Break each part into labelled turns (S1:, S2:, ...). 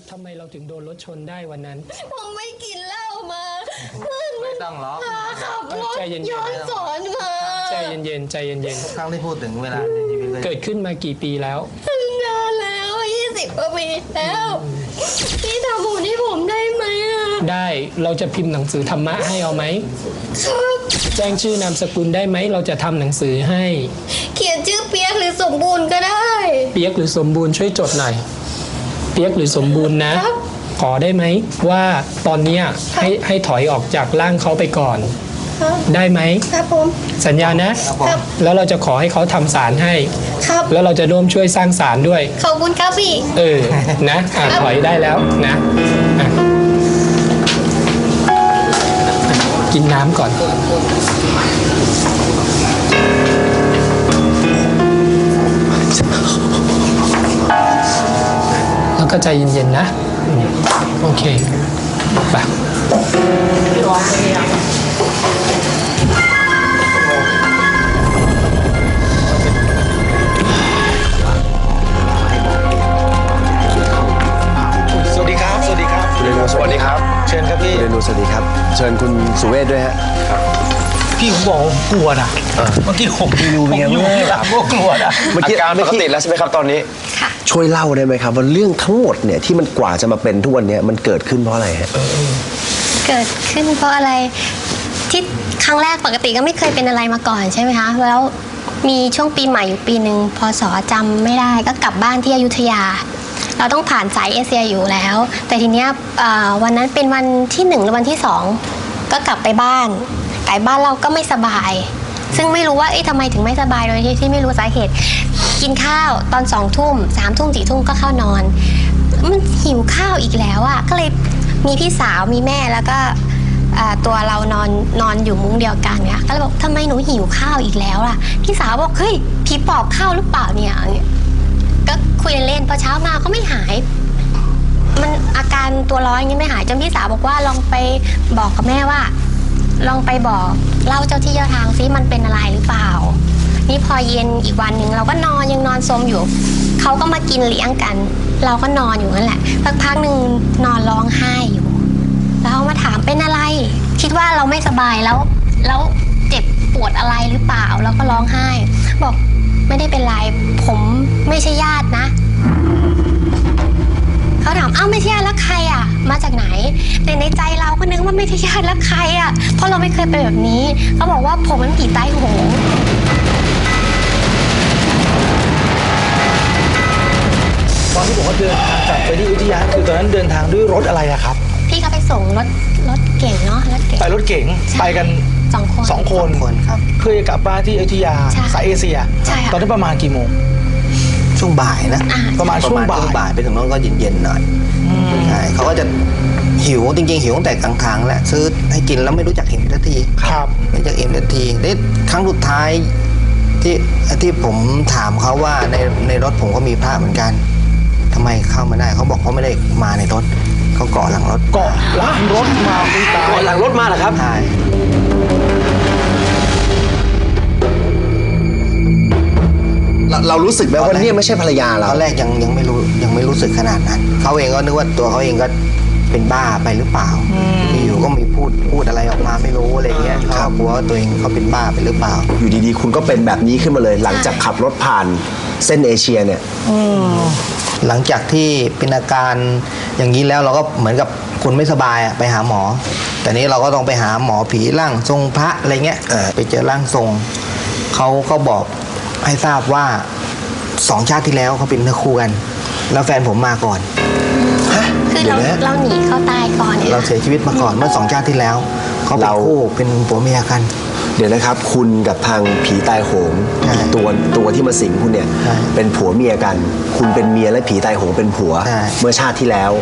S1: ทำไมเราถึงโดนรถชนได้วันนั้น
S2: ผมไม่กินเหล้ามา
S3: ไม่ต้องร้อง
S2: ขับรถ
S1: ใจเย็นๆ
S2: ย้อนสอนมา
S1: ใจเย็นๆใจเย็น
S3: ทุกครั้งที่พูดถึงเวลาในชีวิต
S1: ๆเกิดขึ้นมากี่ปีแล้ว
S2: นานแล้ว20 กว่าปีแล้วพี่ทำบุญให้ผมได้ไหมอ่ะ
S1: ได้เราจะพิมพ์หนังสือธรรมะให้เอาไหม
S2: ครับ
S1: แจ้งชื่อนามสกุลได้ไหมเราจะทำหนังสือให้
S2: เขียนชื่อเปียกหรือสมบูรณ์ก็ได้
S1: เปียกหรือสมบูรณ์ช่วยจดหน่อยเปียกหรือสมบูรณ์นะครับ ขอได้ไหมว่าตอนเนี้ยให้ถอยออกจากร่างเขาไปก่อน
S2: ครับ
S1: ได้ไหม
S2: ครับผม
S1: สัญญานะครับ แล้วเราจะขอให้เขาทำศาลให้
S2: ครับ
S1: แล้วเราจะร่วมช่วยสร้างศาลด้วย
S2: ขอบคุณครับพี่
S1: นะถอยได้แล้วนะอ่ะกินน้ำก่อนแล้วก็ใจเย็นๆนะโอเคไป
S3: สวัสดีครับสวัสดีครับ
S4: คุณเรนูสวัสดีครับ
S3: เชิญครับพี่
S4: คุณเรนูสวัสดีครับเชิญคุณสุเวชด้วยฮะครับ
S3: พี่ผมบอกผมกลัวนะเมื่อกี้ผมอยู่ที่หลังก็กลัวนะ
S4: อาการปกติแล้วใช่ไหมครับตอนนี้ค่ะช่วยเล่าได้ไหมครับว่าเรื่องทั้งหมดเนี่ยที่มันกว่าจะมาเป็นทุกวันนี้มันเกิดขึ้นเพราะอะไรฮะ
S2: เกิดขึ้นเพราะอะไรที่ครั้งแรกปกติก็ไม่เคยเป็นอะไรมาก่อนใช่ไหมคะแล้วมีช่วงปีใหม่อยู่ปีหนึ่งพศจำไม่ได้ก็กลับบ้านที่อยุธยาเราต้องผ่านสายเอเชียอยู่แล้ว แต่ทีเนี้ยวันนั้นเป็นวันที่1หรือวันที่2ก็กลับไปบ้านเราก็ไม่สบายซึ่งไม่รู้ว่าทำไมถึงไม่สบายโดยที่ไม่รู้สาเหตุกินข้าวตอน2 ทุ่ม3 ทุ่ม4 ทุ่มก็เข้านอนมันหิวข้าวอีกแล้วอ่ะก็เลยมีพี่สาวมีแม่แล้วก็ตัวเรานอนอยู่มุ้งเดียวกันเนี่ยก็เลยบอกทำไมหนูหิวข้าวอีกแล้วล่ะพี่สาวบอกเฮ้ยผีปอบเข้าหรือเปล่าเนี่ยก็คุยเล่นพอเช้ามาก็ไม่หายมันอาการตัวร้อนยังไม่หายจนพี่สาวบอกว่าลองไปบอกกับแม่ว่าลองไปบอกเล่าเจ้าที่เจ้าทางซิมันเป็นอะไรหรือเปล่านี่พอเย็นอีกวันหนึ่งเราก็ยังนอนสมอยู่เขาก็มากินเลี้ยงกันเราก็นอนอยู่นั่นแหละสักพักหนึ่งนอนร้องไห้อยู่แล้วมาถามเป็นอะไรคิดว่าเราไม่สบายแล้วเจ็บปวดอะไรหรือเปล่าแล้วก็ร้องไห้บอกไม่ได้เป็นไรผมไม่ใช่ญาตินะเขาถามไม่ใช่ญาติแล้วใครอ่ะมาจากไหนแต่ในใจเราก็นึกว่าไม่ใช่ญาติแล้วใครอ่ะเพราะเราไม่เคยเป็นแบบนี้เขาบอกว่าผมมันผีใต้โหง
S3: ตอนที่บอกว่าเดินทางกลับไปที่อยุธยาคือตอนนั้นเดินทางด้วยรถอะไรอะครับ
S2: พี่เขาไปส่งรถเก่งเนาะรถเก่ง
S3: ไปรถเก๋งไปกันสองคน
S2: ครับ
S3: เพื่อจะกลับบ้านที่อยุธยาสายเอเชียตอนนั้นประมาณกี่โมง
S5: ช่วงบ่ายนะ
S3: ประมาณช่วงบ่าย
S5: ไปถึงนั้นก็เย็นๆหน่อยใช่เขาก็จะหิวจริงๆหิวตั้งแต่กลางๆแหละซื้อให้กินแล้วไม่รู้จักอิ่มทันที
S3: ครับ
S5: ไม่รู้จักอิ่มทันทีนี่ครั้งสุดท้ายที่ผมถามเขาว่าในรถผมก็มีพระเหมือนกันทำไมเข้ามาได้เขาบอกเขาไม่ได้มาในรถเขาเกาะหลังรถ
S3: เกาะหลังรถมาคุณตา
S4: เกาะหลังรถมาเหรอครับ
S5: ใช่
S4: เรารู้สึกไหมว่าเนี่ยไม่ใช่ภรรยาเรา
S5: ตอนแรกยังไม่รู้สึกขนาดนั้นเขาเองก็นึกว่าตัวเขาเองก็เป็นบ้าไปหรือเปล่าอยู่ก็มีพูดอะไรออกมาไม่รู้อะไรเงี้ยเขากลัวว่าตัวเองเขาเป็นบ้าไปหรือเปล่า
S4: อยู่ดีๆคุณก็เป็นแบบนี้ขึ้นมาเลยหลังจากขับรถผ่านเส้นเอเชียเนี่ย
S5: หลังจากที่เป็นอาการอย่างนี้แล้วเราก็เหมือนกับคุณไม่สบายไปหาหมอแต่นี้เราก็ต้องไปหาหมอผีร่างทรงพระอะไรเงี้ยไปเจอร่างทรงเขาก็บอกให้ทราบว่า2 ชาติที่แล้วเขาเป็นเนื้อคู่กันแล้วแฟนผมมาก่อน
S2: คือเราหนีเขาตายก่อน
S5: เราเสียชีวิตมาก่อนเมื่อ2 ชาติที่แล้วเขาเป็นคู่เป็นผัวเมียกัน
S4: เดี๋ยวนะครับคุณกับทางผีตายโหงตัวที่มาสิงคุณเนี่ยเป็นผัวเมียกันคุณเป็นเมียและผีตายโหงเป็นผัวเมื่อชาติที่แล้ว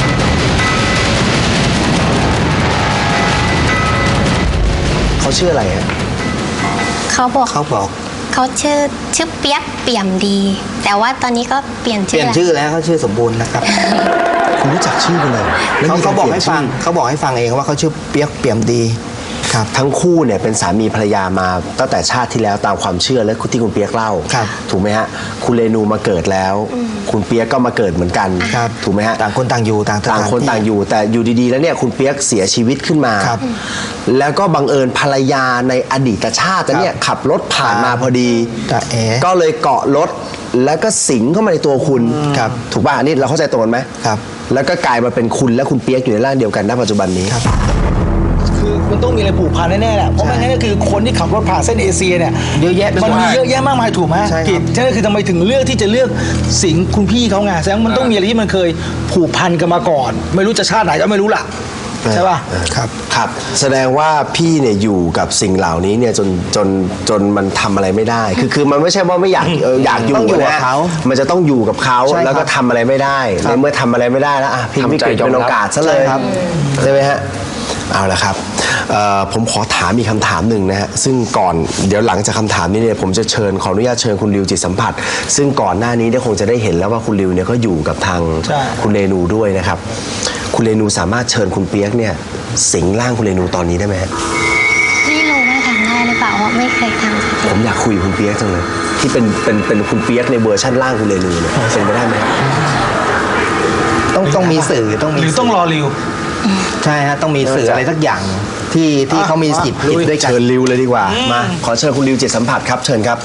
S4: เขาชื่ออะไรฮะ
S2: เขาบอกเขาชื่อเปียกเปี่ยมดีแต่ว่าตอนนี้ก็เปลี่ยน
S5: ชื่อแล้วเขาชื่อสมบูรณ์นะครับ
S4: คุณรู้จักชื่อกันเลย
S5: เขาบอกให้ฟังเองว่าเขาชื่อเปียกเปี่ยมดีครับ
S4: ทั้งคู่เนี่ยเป็นสามีภรรยามาตั้งแต่ชาติที่แล้วตามความเชื่อและที่คุณเปียกเล่า
S5: ครับ
S4: ถูกไหมฮะคุณเรนูมาเกิดแล้ว คุณเปียกก็มาเกิดเหมือนกัน
S5: ครับ
S4: ถูกไหมฮะ
S5: ต่างคนต่างอยู่ต่างสถ
S4: ต่างคน
S5: ที่
S4: ต่างอยู่แต่อยู่ดีๆแล้วเนี่ยคุณเปียกเสียชีวิตขึ้นมา
S5: ครับ
S4: แล้วก็บังเอิญภรรยาในอดีตชาติเนี่ยขับรถผ่านมาพอดี
S5: ตาเอ๋
S4: ก็เลยเกาะรถแล้วก็สิงเข้ามาในตัวคุณ
S5: ครับ
S4: ถูกป่ะอันนี้เราเข้าใจตรงกันไหม
S5: ครับ
S4: แล้วก็กลายมาเป็นคุณและคุณเปียกอยู่ในร่างเดียวกันณปัจจุบันนี้
S5: ครับ
S3: คือมันต้องมีอะไรผูกพันแน่ๆแหละเพราะไม่งั้นก็คือคนที่ขับรถผ่านเส้นเอเชียเนี่ย
S5: เยอะแยะไปหมด
S3: มันมีเยอะแยะมากมายถูกไหม
S5: ใช่ครับ
S3: กิจฉะนั้นคือทำไมถึงเลือกที่จะเลือกสิงคุณพี่เขาไงแสดงว่ามันต้องมีอะไรที่มันเคยผูกพันกันมาก่อน ไม่รู้จะชาติไหนก็ไม่รู้ล่ะใช่ป่ะ
S5: ครับ
S4: ครับแสดงว่าพี่เนี่ยอยู่กับสิ่งเหล่านี้เนี่ยจนมันทำอะไรไม่ได้ คือมันไม่ใช่ว่าไม่อยากอยากอยู่
S5: ต้องอยู่กับ
S4: นะ
S5: เขา
S4: มันจะต้องอยู่กับเขา
S5: ใช่ครับ
S4: แล้วก็ทำอะไรไม่ได้
S5: ครับ
S4: ในเมื่อทำอะไรไม่ได้แล้วอ่ะพี่วิกฤตเป็นโอกาสซะเลย
S5: ใช่ครับ
S4: ใช่ไหมฮะเอาละครับผมขอถามอีกคำถามหนึ่งนะฮะซึ่งก่อนเดี๋ยวหลังจากคำถามนี้เนี่ยผมจะขออนุญาตเชิญคุณริวจิตสัมผัส ซึ่งก่อนหน้านี้เนี่ยคงจะได้เห็นแล้วว่าคุณริวเนี่ยก็อยู่กับทาง
S3: ใช่
S4: คุณเรนูด้วยนะครับ คุณเรนูสามารถเชิญคุณเปียกเนี่ยสิงร่างคุณเรนูตอนนี้ได้ไหมฮะ
S2: ไม่รู้ว่าทำได้หรือเปล่าเพราะไม่เคยทำสักที
S4: ผมอยากคุยกับคุณเปียกจังเลย ที่เป็นคุณเปียกในเวอร์ชั่นร่างคุณเรนูเนี่ยเป็นไปได้ไหมฮะ
S5: ต้องมีสื่อต้องมี
S3: หรือต้องรอริว
S5: ใช่ฮะต้องมีสื่ออะไรสักอย่างที่เขามีสิทธิ์ผิดด้วยกัน
S4: เชิญริวเลยดีกว่ามาขอเชิญคุณริวจิตสัมผัสครับเชิญครับ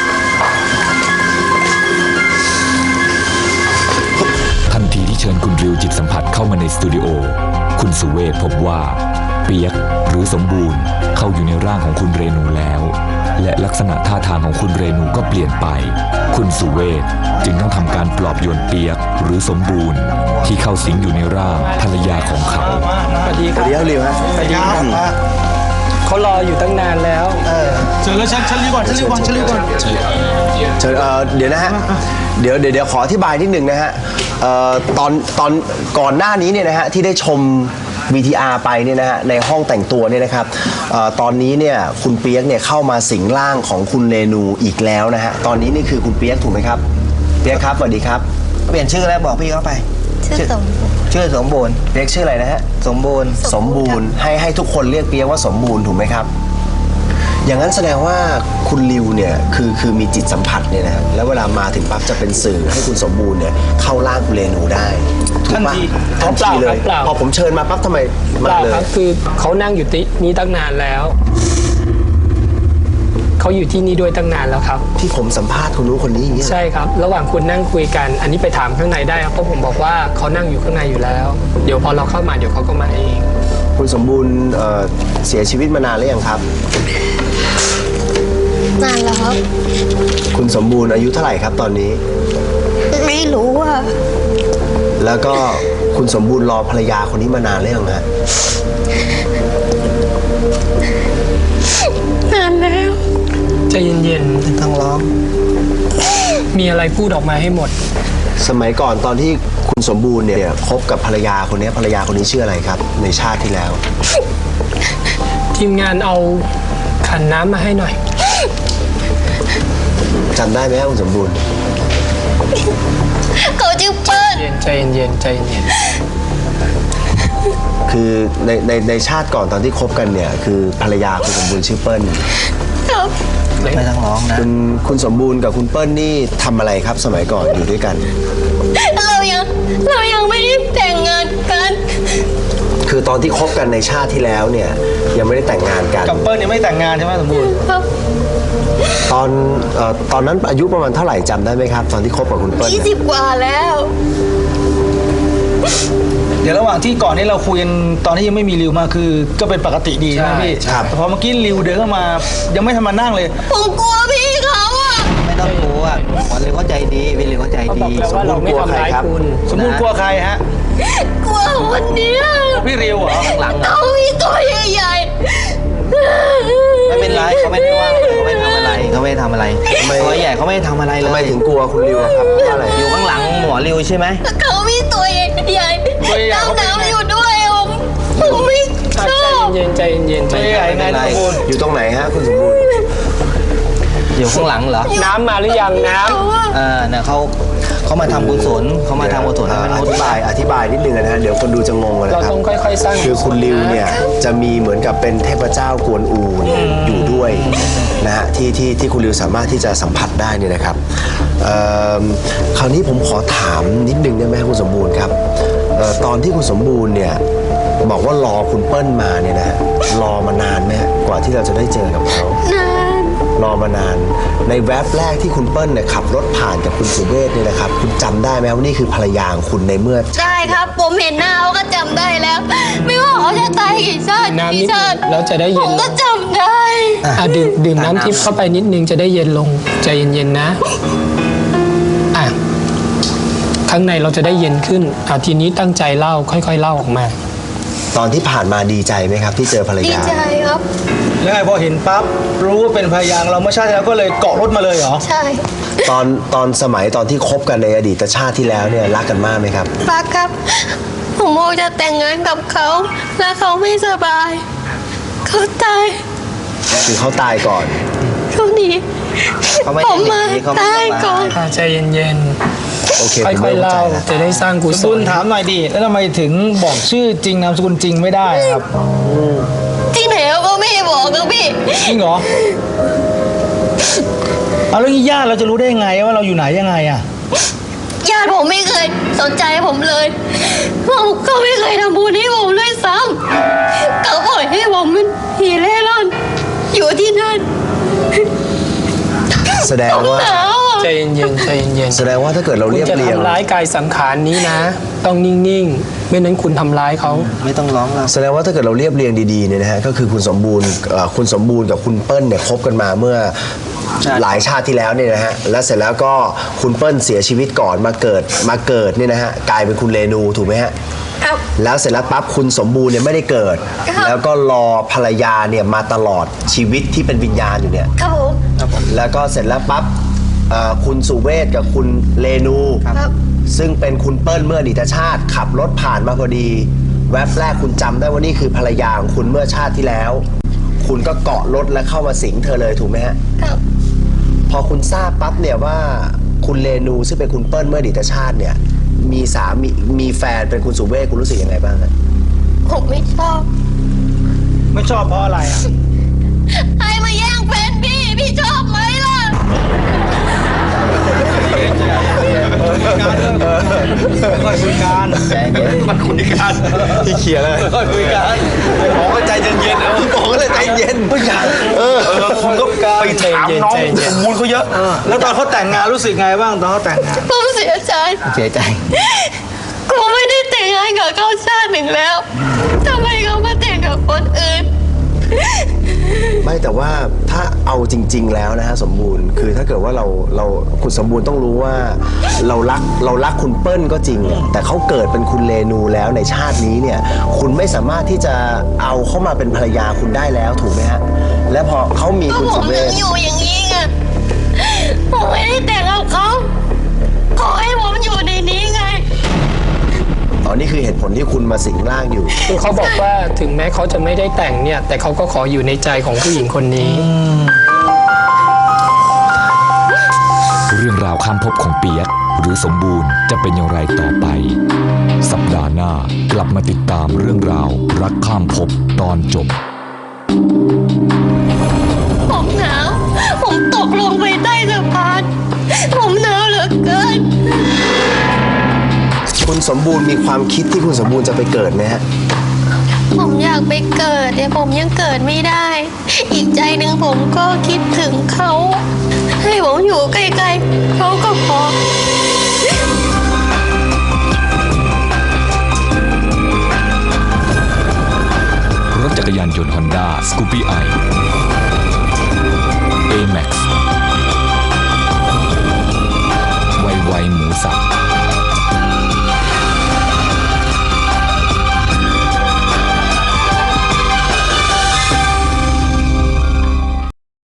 S6: ทันทีที่เชิญคุณริวจิตสัมผัสเข้ามาในสตูดิโอคุณสุเวทพบว่าเปียกหรือสมบูรณ์เข้าอยู่ในร่างของคุณเรนูแล้ว และลักษณะท่าทางของคุณเรนูก็เปลี่ยนไป คุณสุเวทจึงต้องทำการปลอบโยนเปียกหรือสมบูรณ์ที่เข้าสิงอยู่ในร่างภรรยาของเขา
S1: สวัสดีครับ
S4: เดี๋ยวริวฮะ
S3: สวัสดีครับ
S1: เขารออยู่ตั้งนานแล้ว
S3: เจอแล้วฉันรีบก่อน
S4: เชิญเดี๋ยวนะฮะเดี๋ยวขออธิบายนิดหนึ่งนะฮะตอนก่อนหน้านี้เนี่ยนะฮะที่ได้ชม VTR ไปเนี่ยนะฮะในห้องแต่งตัวเนี่ยนะครับตอนนี้เนี่ยคุณเปียกเนี่ยเข้ามาสิงร่างของคุณเรนูอีกแล้วนะฮะตอนนี้นี่คือคุณเปียกถูกไหมครับเปียกครับสวัสดีครับ
S5: เปลี่ยนชื่อแล้วบอกพี่เขาไป
S2: ชื่อสม
S5: ชื่อสมบูรณ์
S4: เปียกชื่ออะไรนะฮะ
S5: สมบูรณ์
S4: สมบูรณ์ให้ทุกคนเรียกเปียกว่าสมบูรณ์ถูกไหมครับ อย่างนั้นแสดงว่าคุณริวเนี่ยคือมีจิตสัมผัสเนี่ยนะฮะแล้วเวลามาถึงปั๊บจะเป็นสื่อให้คุณสมบูรณ์เนี่ยเข้าร่างคุณเรนูได้ถูกปะทันทีเลย
S1: เปล่า
S4: พอผมเชิญมาปั๊บทำไม
S1: เป
S4: มา
S1: ล่า
S4: เล
S1: ครั
S4: ย
S1: บคือเขานั่งอยู่ที่นี่ตั้งนานแล้วเขาอยู่ที่นี่ด้วยตั้งนานแล้วครับ
S4: ที่ผมสัมภาษณ์คนนู้นคนนี้อย่างเงี้ย
S1: ใช่ครับ ระหว่างคุณนั่งคุยกัน อันนี้ไปถามข้างในได้ครับเพราะผมบอกว่าเขานั่งอยู่ข้างในอยู่แล้ว เดี๋ยวพอเราเข้ามาเดี๋ยวเขาก็มาเอง
S4: คุณสมบูรณ์เสียชีวิตมานานหรือยังครับ
S2: นานแล้วครับ
S4: คุณสมบูรณ์อายุเท่าไหร่ครับตอนนี้
S2: ไม่รู้อ่ะ
S4: แล้วก็คุณสมบูรณ์รอภรรยาคนนี้มานานหรือยังฮะ
S2: นานแล้ว
S1: ใจเย็น
S5: ต้องร้อง
S1: ๆมีอะไรพูดออกมาให้หมด
S4: สมัยก่อนตอนที่คุณสมบูรณ์เนี่ยคบกับภรรยาคนนี้ภรรยาคนนี้ชื่ออะไรครับ ในชาติที่แล้ว
S1: ทีมงานเอาขันน้ำมาให้หน่อย
S4: จำได้ไหมครับคุณสมบูรณ์
S2: เขาชื่อเปิ้ล
S1: ใจเย็นใจเย็น
S4: คือในชาติก่อนตอนที่คบกันเนี่ยคือภรรยาคุณสมบูรณ์ชื่อเปิ้ล
S2: ครับ
S5: ไม่ต้องร้องนะ
S4: คุณสมบูรณ์กับคุณเปิ้ลนี่ทำอะไรครับสมัยก่อนอยู่ด้วยกัน
S2: เรายังไม่ได้แต่งงานกัน
S4: คือตอนที่คบกันในชาติที่แล้วเนี่ยยังไม่ได้แต่งงานกัน
S3: กับเปิ้ลยังไม่แต่งงานใช่ไหมสมบูรณ์
S2: ครับ
S4: ตอนนั้นอายุประมาณเท่าไหร่จำได้ไหมครับ ตอนที่คบกับคุณเปิ้ลเนี่ย
S2: 20 กว่าแล้ว
S3: เดี๋ยวระหว่างที่ก่อนนี้เราคุยกันตอนที่ยังไม่มีริวมาคือก็เป็นปกติดีใช่ไหมพี่
S4: ครับ
S3: แต่พอเมื่อกี้ริวเดินเข้ามายังไม่ทันมานั่งเลย
S2: ผมกลัวพี่เขาอ่ะ
S5: ไม่ต้องกลัวหมอเลยเข้าใจดีวิเลยเข้าใจ
S1: เขาบ
S5: ดี
S1: อกแล้วว่าเราไม่ทำร้ายคุณ
S3: สมบูรณ์กลัวใครฮะ
S2: กลัวคนเนี้ย
S3: พี่ริวเหรอ
S5: หลังๆ
S2: เขามีตัวใหญ่
S5: ไม่เป็นไรเขาไม่ได้ว่าเขาไม่ทำอะไรเขาไม่ทำอะไรตัวใหญ่เขาไม่ทำอะไรเล
S4: ทำไม
S5: ย
S4: ถึงกลัวคุณริวอะครับเพราะอะไร
S5: อยู่ข้างหลังหมอริวใช่ไหม
S2: ๆเขามีตัวใหญ่ดำน้ำอยู่ด้วยผมไม่ช
S1: ใจ
S2: อบ
S1: เย็นใจเย็นใจ
S3: ตัว
S1: เย็น
S3: ใหญ่ไงสมบูรณ์
S4: อยู่ตรงไหนฮะคุณสมบูรณ์
S5: อยู่ข้างหลังเหรอ
S1: น้ำมาหรือยังน้
S2: เขาอะ
S5: เนี่ยเขาเขามาทำกุศลให้มนุษย์
S4: อธิบายนิดนึงนะฮะเดี๋ยวคนดูจะงงนะ
S1: เรา
S4: ครับ
S1: ต้องค่อยๆสร้าง
S4: คือคุณริวเนี่ยจะมีเหมือนกับเป็นเทพเจ้ากวนอูเนี่ยอยู่ด้วยนะฮะที่คุณริวสามารถที่จะสัมผัสได้เนี่ยนะครับคราวนี้ผมขอถามนิดนึงได้ไหมคุณสมบูรณ์ครับตอนที่คุณสมบูรณ์เนี่ยบอกว่ารอคุณเปิ้ลมาเนี่ยนะฮะรอมานานไหมกว่าที่เราจะได้เจอกับเขา
S2: นาน
S4: รอมานานในแวบแรกที่คุณเปิ้ลเนี่ยขับรถผ่านกับคุณสุเวชเนี่ยนะครับคุณจำได้ไหมว่านี่คือภรรยาของคุณในเมื่อ
S2: ได้ครับ ผมเห็นหน้าเขาก็จำได้แล้ว ไม่ว่าเขาจะตายกี่ชาติ
S1: น้ำนิ
S2: กี่
S1: ด
S2: ชาติ
S1: แล้วจะได้
S2: ผ
S1: เย็น
S2: มก็จำได้
S1: ดื่มน้ำทิพย์เข้าไปนิดนึงจะได้เย็นลงใจเย็นๆนะอ่ะข้างในเราจะได้เย็นขึ้นทีนี้ตั้งใจเล่าค่อยๆเล่าออกมา
S4: ตอนที่ผ่านมาดีใจไหมครับที่เจอภรร
S2: ดี
S4: ยา
S2: ใจครับ
S3: แล้วไงพอเห็นปั๊บรู้ว่าเป็นภรรยาเราเมื่อชาติที่แล้วก็เลยเกาะรถมาเลยเหรอ
S2: ใช่
S4: ตอนสมัยตอนที่คบกันในอดีตชาติที่แล้วเนี่ยรักกันมากไหมครับ
S2: รักครับ ผมโมจะแต่งงานกับเขา แล้วเขาไม่สบาย เขาตาย
S4: คือเขาตายก่อน
S2: เขาหนี
S5: เขาไม่
S2: ผ
S5: ได้
S2: ม
S5: หนี
S2: มา
S5: เขาไม่
S2: ตาย
S5: ส
S2: ก่
S5: บา
S2: อน
S5: ย
S1: ใจเย็น
S4: โอเค
S1: ๆ
S4: ผม
S1: ค่อยๆ
S4: เข้า
S1: เล่า
S4: ใจแล้ว
S1: จะได้สร้างกุศ
S3: บุญ
S1: ล
S3: ถามหน่อยดิแล้วทำไมถึงบอกชื่อจริงนามสกุลจริงไม่ได้ครับ
S2: ที่ไหนเขาก็ไม่บอกครับพี่
S3: จริงเหรอเอาแล้วญาติเราจะรู้ได้ยังไงว่าเราอยู่ไหนยังไงอ่ะ
S2: ญาติผมไม่เคยสนใจผมเลยผมก็ไม่เคยทำบุญให้ผมเลยซ้ำเขาปล่อยให้ผมเป็นผีเล่ร่อน อยู่ที่นั่น
S4: แสดงว่า
S2: หนาวอ่ะ
S1: ใจเย็นๆใจเย็น
S4: แสดงว่าถ้าเกิดเรา
S1: ๆคุณ
S4: เรียบ
S1: จะ
S4: เรียง
S1: ทำร้ายกายสังขารนี้นะ ต้องนิ่งๆ ไม่นั้นคุณทำร้ายเขา
S5: ไม่ต้องร้องแล้ว
S4: แสดงว่าถ้าเกิดเราเรียบเรียงดีๆเนี่ยนะฮะก็คือคุณสมบูรณ์กับคุณเปิ้ลเนี่ยคบกันมาเมื่อ
S5: ใช่
S4: หลายชาติที่แล้วเนี่ยนะฮะแล้วเสร็จแล้วก็คุณเปิ้ลเสียชีวิตก่อนมาเกิดเนี่ยนะฮะกลายเป็นคุณเรนูถูกไหมฮะ
S2: ครับ
S4: แล้วเสร็จแล้วปั๊บคุณสมบูรณ์เนี่ยไม่ได้เกิด
S2: ครับ
S4: แล้วก็รอภรรยาเนี่ยมาตลอดชีวิตที่เป็นวิญญาณอยู่เนี่ย
S2: ครับผม
S4: แล้วก็เสร็จแล้วปั๊บคุณสุเวชกับคุณเรนู
S2: ครับ
S4: ซึ่งเป็นคุณเปิ้ลเมื่ออดีตชาติขับรถผ่านมาพอดี แวบแรกคุณจำได้ว่านี่คือภรรยาของคุณเมื่อชาติที่แล้ว คุณก็เกาะรถและเข้ามาสิงเธอเลยถูกไหมฮะ
S2: ครับ
S4: พอคุณทราบปั๊บเนี่ยว่าคุณเรนูซึ่งเป็นคุณเปิ้ลเมื่ออดีตชาติเนี่ยมีสามีแฟนเป็นคุณสุเวชคุณรู้สึกยังไงบ้างฮะ
S2: ผมไม่ชอบ
S3: ไม่ชอบเพราะอะไรอ่ะ
S2: ให้มาแย่งแฟนพี่ชอบไหมล่ะ
S3: ค่อยคุยกันมันคุยกัน
S4: ที่เคลียร์เลย
S3: ค่อยคุยกัน
S4: บอกก็ใจเย็นๆเอาบอกก็เลยใจเย็น
S3: ผู้ชายคุณก็ไปถามน้องสมบูรณ์เขาเยอะ แล้วตอนเขาแต่งงานรู้สึกไงบ้างตอนเขาแต่งงาน
S2: ผมเสียใจ
S5: เสียใจ
S2: กูไม่ได้แต่งงานกับเขาชาติหนึ่งแล้วทำไมเขามาแต่งกับคนอื่น
S4: ไม่แต่ว่าถ้าเอาจริง ๆ แล้วนะฮะสมบูรณ์คือถ้าเกิดว่าเราคุณสมบูรณ์ต้องรู้ว่าเรารักคุณเปิ้ลก็จริงอะแต่เขาเกิดเป็นคุณเรนูแล้วในชาตินี้เนี่ยคุณไม่สามารถที่จะเอาเข้ามาเป็นภรรยาคุณได้แล้วถูกไหมฮะและพอเขามี
S2: ก็
S4: คุณ
S2: ผ
S4: สุ
S2: ม
S4: เว
S2: ยัง
S4: ช
S2: อยู่อย่างนี้ไง ผมไม่ได้แต่งกับเขา ขอให้ผมอยู่ในนี้ไง
S4: อ๋อนี่คือเหตุผลที่คุณมาสิงร่างอยู่
S1: คือเขาบอกว่าถึงแม้เขาจะไม่ได้แต่งเนี่ย แต่เขาก็ขออยู่ในใจของผู้หญิงคนนี้
S6: เรื่องราวข้ามภพของเปียกหรือสมบูรณ์จะเป็นอย่างไรต่อไป สัปดาห์หน้ากลับมาติดตามเรื่องราวรักข้ามภพตอนจบ
S2: ผมหนาว ผมตกลงไปใต้สะพาน ผมหนาวเหลือเกิน
S4: คุณสมบูรณ์มีความคิดที่คุณสมบูรณ์จะไปเกิดไหมฮะ
S2: ผมอยากไปเกิดแต่ผมยังเกิดไม่ได้ อีกใจหนึ่งผมก็คิดถึงเขา ให้ผมอยู่ใกล้ๆเขาก็พอ
S6: รถจักรยานยนต์ Honda Scoopy i A-Max